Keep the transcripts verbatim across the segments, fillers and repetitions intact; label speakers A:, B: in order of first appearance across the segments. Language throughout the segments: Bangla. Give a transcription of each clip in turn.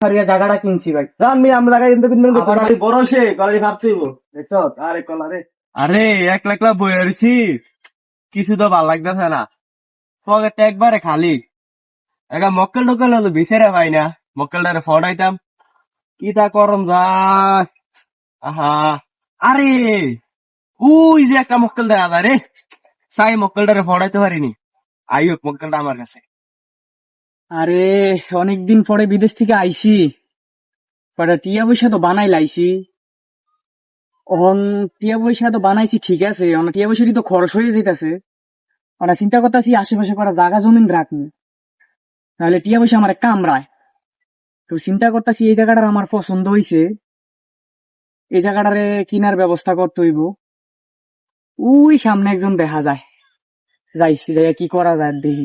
A: জায়গাটা কিনছি ভাই।
B: আমি আমরা জায়গা কিনতে কিনবেন বড় সে কলারি ভাবছিব দেখছ আরে কলারে আরে এক লাখ লাখ বই আরছি কিছু তো ভাল লাগতেছে না পকেটটা একবারে খালি একা মক্কেল টক্কেল তো বিচারে পাই না মক্কেলটারে ফড়াইতাম কি তা করম যায় আহা আরে ওই যে একটা মক্কেল দেখা যায় রে সাই মক্কেলটারে ফড়াইতে পারিনি আই হোক মক্কেলটা আমার কাছে
A: আরে অনেকদিন পরে বিদেশ থেকে আইছি, পরে টিয়া পয়সা তো বানাই লাইছি। অন টিয়া পয়সা তো বানাইছি ঠিক আছে, অন টিয়া পয়সাটি তো খরচ হয়ে যেতেছে। ওরা চিন্তা করতেছি আশেপাশে করা জায়গা জমিন রাখবো, তাহলে টিয়া পয়সা আমার কামড়ায়। তো চিন্তা করতেছি এই জায়গাটার আমার পছন্দ হয়েছে, এই জায়গাটারে কিনার ব্যবস্থা করতে হইব। ওই সামনে একজন দেখা যায়, যাই যাই কি করা যায় দেখি।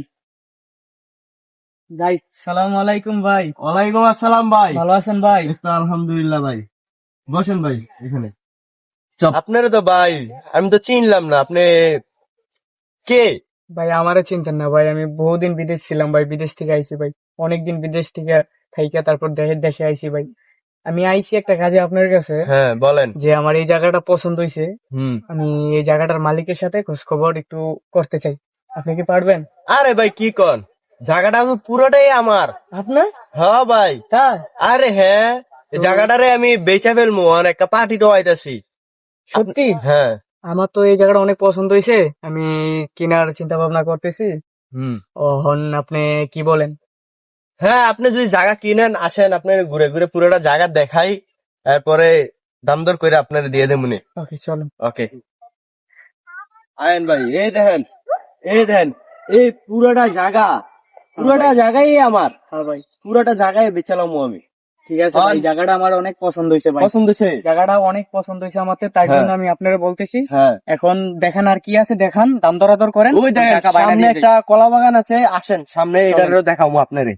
A: যাই, সালাম আলাইকুম ভাই।
B: ওয়ালাইকুম আসসালাম ভাই।
A: ভালো আছেন ভাই?
B: আলহামদুলিল্লাহ ভাই, বসেন ভাই এখানে। আপনারা তো ভাই আমি তো চিনলাম না, আপনি কে?
A: ভাই আমারে চিনতেন না ভাই, আমি বহুদিন বিদেশ ছিলাম ভাই, বিদেশ থেকে আইছি ভাই, অনেকদিন বিদেশ থেকে থাইকা তারপর দেশের দেশে আইছি ভাই। আমি আইছি একটা কাজে আপনার কাছে।
B: হ্যাঁ বলেন।
A: যে আমার এই জায়গাটা পছন্দ হয়েছে, আমি এই জায়গাটার মালিকের সাথে খোঁজ খবর একটু করতে চাই, আপনি কি পারবেন?
B: আরে ভাই কি কন, জায়গাটা আমি পুরোটাই আমার।
A: আপনার?
B: হ্যাঁ ভাই।
A: তাই?
B: আরে হ্যাঁ, এই জায়গাটারে আমি বেচা ফেলবো, একটা পার্টি তো আইতাছি।
A: সত্যি?
B: হ্যাঁ
A: আমার তো এই জায়গাটা অনেক পছন্দ হয়েছে, আমি কেনার চিন্তা ভাবনা করতেছি।
B: হুম
A: ওহন আপনি কি বলেন?
B: হ্যাঁ আপনি যদি জায়গা কিনেন আসেন, আপনি ঘুরে ঘুরে পুরোটা জায়গা দেখাই, তারপরে দাম দর করে আপনারা দিয়ে দেবো।
A: ওকে চলুন।
B: ওকে আয়েন ভাই, এই দেখেন এই দেখেন এই পুরোটা জায়গা, পুরোটা জায়গাই আমার।
A: হ্যাঁ ভাই,
B: পুরোটা জায়গায় বেচালাম আমি।
A: ঠিক আছে ভাই, জায়গাটা আমার অনেক পছন্দ হয়েছে ভাই।
B: পছন্দ হয়েছে?
A: জায়গাটা অনেক পছন্দ হয়েছে আমাদের, তাই জন্য আমি আপনারা বলতেছি।
B: হ্যাঁ
A: এখন দেখান আর কি আছে, দেখান, দাম দরাদর করেন।
B: ওই দেখেন
A: টাকা বাইনা
B: সামনে
A: দিয়ে
B: একটা কলা বাগান আছে, আসেন সামনে এটারও দেখাবো আপনারে।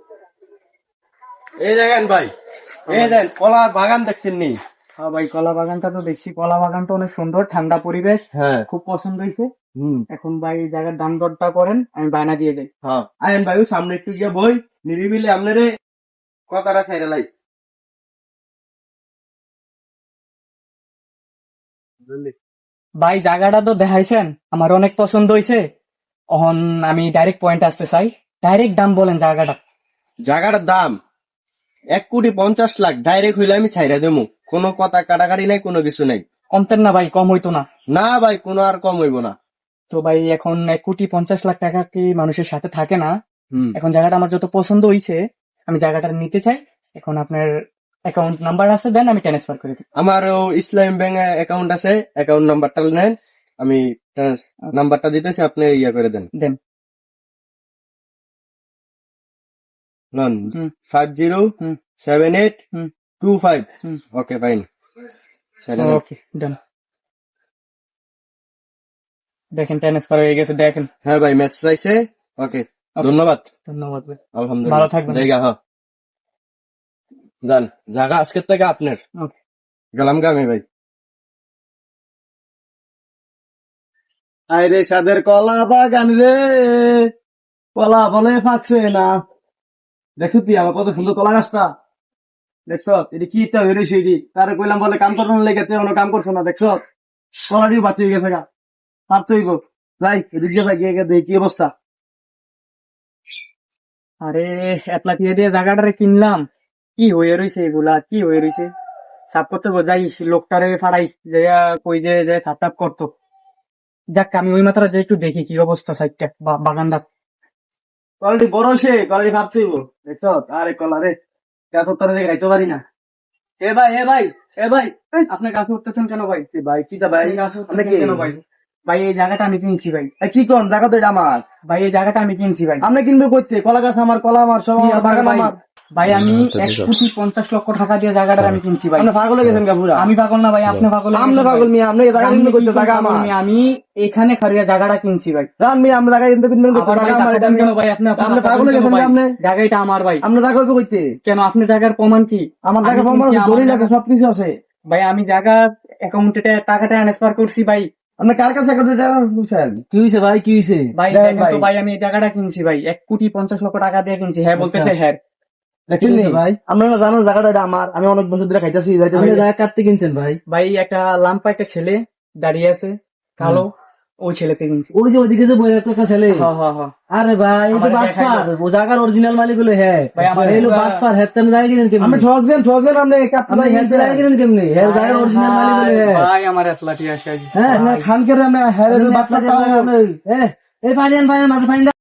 B: এই দেখেন ভাই, এই দেখেন কলা বাগান দেখছেন নি?
A: হ্যাঁ ভাই, কলা বাগানটা তো দেখছি, কলা বাগানটা অনেক সুন্দর, ঠান্ডা পরিবেশ,
B: হ্যাঁ
A: খুব পছন্দ হয়েছে।
B: হুম
A: এখন ভাই জায়গার দাম দরটা করেন, আমি বায়না দিয়ে দেই।
B: হ্যাঁ আয়েন ভাই, ওই সামনে একটু গিয়ে বই নিরিবিলি আপনারে কথাটা খাইরা লাই।
A: ভাই জায়গাটা তো দেখাইছেন, আমার অনেক পছন্দ হয়েছে। এখন আমি ডাইরেক্ট পয়েন্ট আসতে চাই, ডাইরেক্ট দাম বলেন জায়গাটা।
B: জায়গাটার দাম এক কোটি পঞ্চাশ লাখ, ডাইরেক্ট হইলে আমি ছাইরা দেবো, কোনো কথা কাটাকাটি নাই, কোনো কিছু নাই।
A: কমতেন না ভাই? কম হইতো না?
B: না ভাই, কোনো আর কম হইব না।
A: তো ভাই এখন এক কোটি পঞ্চাশ লাখ টাকা কি মানুষের সাথে থাকে না?
B: হুম
A: এখন জায়গাটা আমার যত পছন্দ হয়েছে, আমি জায়গাটা নিতে চাই। এখন আপনার অ্যাকাউন্ট নাম্বার আছে, দেন আমি ট্রান্সফার করে দিই।
B: আমার ইসলাম ব্যাংক অ্যাকাউন্ট আছে, অ্যাকাউন্ট নাম্বারটা নেন, আমি নাম্বারটা দিতেছি, আপনি ইয়া করে দেন।
A: দেন।
B: নন
A: hmm.
B: Five zero
A: hmm.
B: Seven eight
A: hmm.
B: Two five.
A: Hmm.
B: Okay fine,
A: okay done. দেখেন ট্রান্সফার হয়ে গেছে, দেখেন।
B: হ্যাঁ ভাই মেসেজ আইছে। ওকে ধন্যবাদ।
A: ধন্যবাদ ভাই,
B: আলহামদুলিল্লাহ,
A: ভালো থাকবেন।
B: জায়গা হ্যাঁ যান, জায়গা আজকের থেকে আপনার।
A: ওকে
B: গেলাম গামে ভাই। আরে সাদের কলা বাগান রে, কলা বলে ফাঁকছে না। দেখো তুই আমার কত সুন্দর কলা গাছটা, দেখছ এটি কি ইচ্ছা হয়ে রয়েছে, এটি তারে কইলাম বলে কাম করবো লেগে, তুই কোনো কাম করছো না, দেখছ কলাটিও বাচ্চা হয়ে গেছে গা, পারছো হইব। যাই এদিক দিয়ে গিয়ে দেখি কি অবস্থা।
A: আরে এক লাখ দিয়ে জায়গাটারে কিনলাম, কি হয়ে রয়েছে এগুলা, কি হয়ে রয়েছে। সাফ করতে যাই, লোকটারে ফাড়াই যে কই যে যে সাপ টাপ করতো। যাক আমি ওই মাত্রা যে একটু দেখি কি অবস্থা সাইডটা বাগানটা।
B: কোয়ালিটি বড় সে কোয়ালিটি ভাবছো হইব, দেখছ আরে কলা রে এত তারা দেখে খাইতে পারি না।
A: এ ভাই এ ভাই এ ভাই, আপনি গাছ উঠতেছেন কেন ভাই?
B: ভাই কি তা ভাই,
A: গাছ উঠতেছেন কেন ভাই? ভাই এই জায়গাটা আমি কিনছি ভাই।
B: কি কোন জায়গা তো এটা আমার
A: ভাই, এই জায়গাটা আমি কিনছি ভাই।
B: আপনি কিনবে করতে, কলা গাছ আমার, কলা আমার, সব আমার, বাগান আমার।
A: ভাই আমি এক কোটি পঞ্চাশ লক্ষ টাকা দিয়ে জায়গাটা আমি কিনছি ভাই।
B: আপনি পাগল হয়ে গেছেন পুরা?
A: আমি পাগল না ভাই, আপনি পাগল।
B: আপনি পাগল মিয়া, আপনি জায়গা কিনবে করতে, জায়গা আমার।
A: আমি এখানে খারিয়া জায়গাটা কিনছি ভাই।
B: জান মিয়া, আমরা জায়গা কিনতে কিনবেন করতে, জায়গা আমার। এটা
A: কেন ভাই? আপনি
B: আপনি পাগল হয়ে গেছেন আপনি?
A: জায়গাটা আমার ভাই।
B: আপনি জায়গা কইতে কইতে
A: কেন? আপনি জায়গার প্রমাণ কি?
B: আমার জায়গা প্রমাণ আছে, দলিল আছে, সবকিছু আছে
A: ভাই। আমি জায়গা অ্যাকাউন্টে টাকাটা ট্রান্সফার করছি ভাই।
B: আপনি কার কাছে করছেন? কি হয়েছে ভাই, কি হয়েছে
A: ভাই? দেখেন তো ভাই, আমি এই জায়গাটা কিনছি ভাই, এক কোটি পঞ্চাশ লক্ষ টাকা দিয়ে কিনছি। হ্যাঁ বলতেছে হ্যাঁ।
B: দেখছেন নি
C: ভাই
B: আপনারা জানেন জায়গাটা এটা আমার, আমি অনেক বছর ধরে খাইতেছি যাইতেছি।
C: আপনি জায়গা কাটতে কিনছেন ভাই?
A: ভাই একটা লাম্পা একটা ছেলে দাঁড়িয়ে আছে কালো, ওই ছেলেতে কিনছি।
C: ওই যে ওইদিকে যে বই একটা ছেলে,
A: হ হ হ
C: আরে ভাই এই তো
A: আমার
C: বাটপার,
A: দেখাইলো।
C: ও জায়গার অরিজিনাল মালিক হলো হ্যাঁ
A: ভাই, আমার
C: এই হলো
A: পুরা-
C: বাটপার, হ্যাঁ তুমি জায়গা কিনেন
B: আমি
C: কেমনি?
B: ঠকছেন ঠকছেন আপনি কাটতে
C: আপনি হ্যাঁ জায়গা কিনেন কেমনি? হ্যাঁ জায়গার অরিজিনাল মালিক হলো হ্যাঁ
A: ভাই আমার এতলা টিয়া শেষ।
C: হ্যাঁ
B: খানকে আমি হ্যাঁ
C: আপনি
B: বাচ্চা
C: আপনার এই, এই পানি আন, পানি আন, মাঝে পানি দাও।